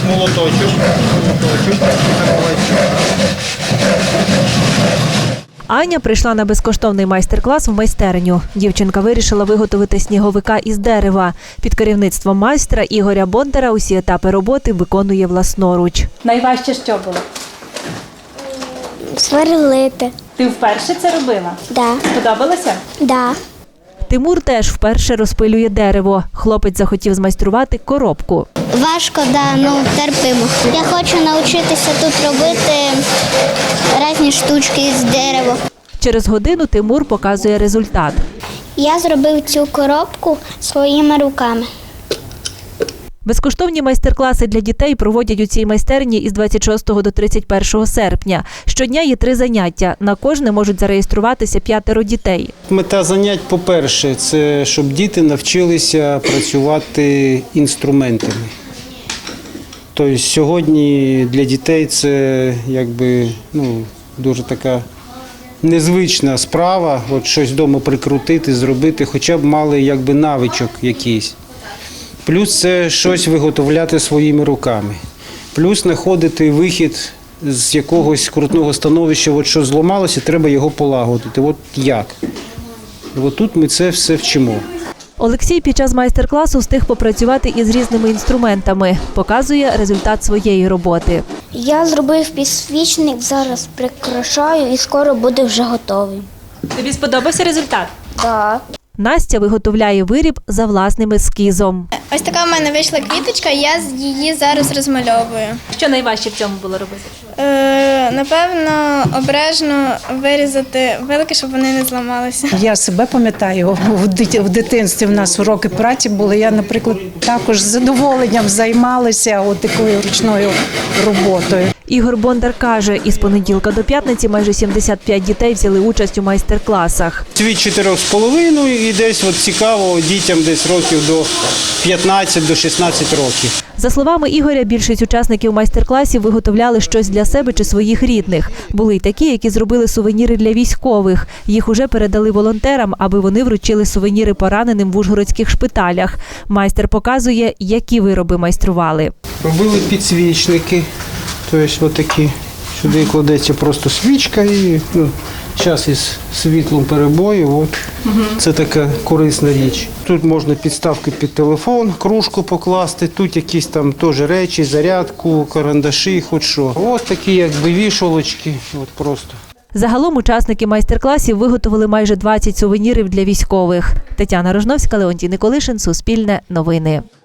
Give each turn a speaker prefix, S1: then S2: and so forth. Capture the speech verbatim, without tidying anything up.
S1: молоточок, молоточок,
S2: Аня прийшла на безкоштовний майстер-клас в майстерню. Дівчинка вирішила виготовити сніговика із дерева. Під керівництвом майстра Ігоря Бондара усі етапи роботи виконує власноруч.
S3: Найважче що було?
S4: Сверлити.
S3: Ти вперше це робила?
S4: Да.
S3: Сподобалося?
S4: Да.
S2: Тимур теж вперше розпилює дерево. Хлопець захотів змайструвати коробку.
S4: Важко, да, ну терпимо. Я хочу навчитися тут робити різні штучки з дерева.
S2: Через годину Тимур показує результат.
S4: Я зробив цю коробку своїми руками.
S2: Безкоштовні майстер-класи для дітей проводять у цій майстерні із двадцять шостого до тридцять першого серпня. Щодня є три заняття. На кожне можуть зареєструватися п'ятеро дітей.
S1: Мета занять, по-перше, це щоб діти навчилися працювати інструментами. Тобто сьогодні для дітей це якби, ну, дуже така незвична справа, от щось вдома прикрутити, зробити, хоча б мали якби навичок якийсь. Плюс це щось виготовляти своїми руками. Плюс знаходити вихід з якогось крутного становища, от що зламалося, треба його полагодити. От як? І от тут ми це все вчимо.
S2: Олексій під час майстер-класу встиг попрацювати із різними інструментами. Показує результат своєї роботи.
S4: Я зробив підсвічник, зараз прикрашаю і скоро буде вже готовий.
S3: Тобі сподобався результат?
S4: Да.
S2: Настя виготовляє виріб за власним ескізом.
S5: Ось така в мене вийшла квіточка, я її зараз розмальовую.
S3: Що найважче в цьому було робити?
S5: Е, напевно, обережно вирізати вилки, щоб вони не зламалися.
S6: Я себе пам'ятаю, в дит- в дитинстві в нас уроки праці були. Я, наприклад, також з задоволенням займалася от такою ручною роботою.
S2: Ігор Бондар каже, із понеділка до п'ятниці майже сімдесят п'ять дітей взяли участь у майстер-класах.
S1: Від чотирьох з половиною і десь от цікаво дітям десь років до п'ятнадцяти до шістнадцяти років.
S2: За словами Ігоря, більшість учасників майстер-класів виготовляли щось для себе чи своїх рідних. Були й такі, які зробили сувеніри для військових. Їх уже передали волонтерам, аби вони вручили сувеніри пораненим в ужгородських шпиталях. Майстер показує, які вироби майстрували.
S1: Робили підсвічники, тобто отакі. Сюди кладеться просто свічка і ну, час із світлом перебою. От. Угу. Це така корисна річ. Тут можна підставки під телефон, кружку покласти, тут якісь там теж речі, зарядку, карандаші, хоч що. Ось такі якби вішалочки, от просто.
S2: Загалом учасники майстер-класів виготовили майже двадцять сувенірів для військових. Тетяна Рожновська, Леонтій Николишин, Суспільне новини.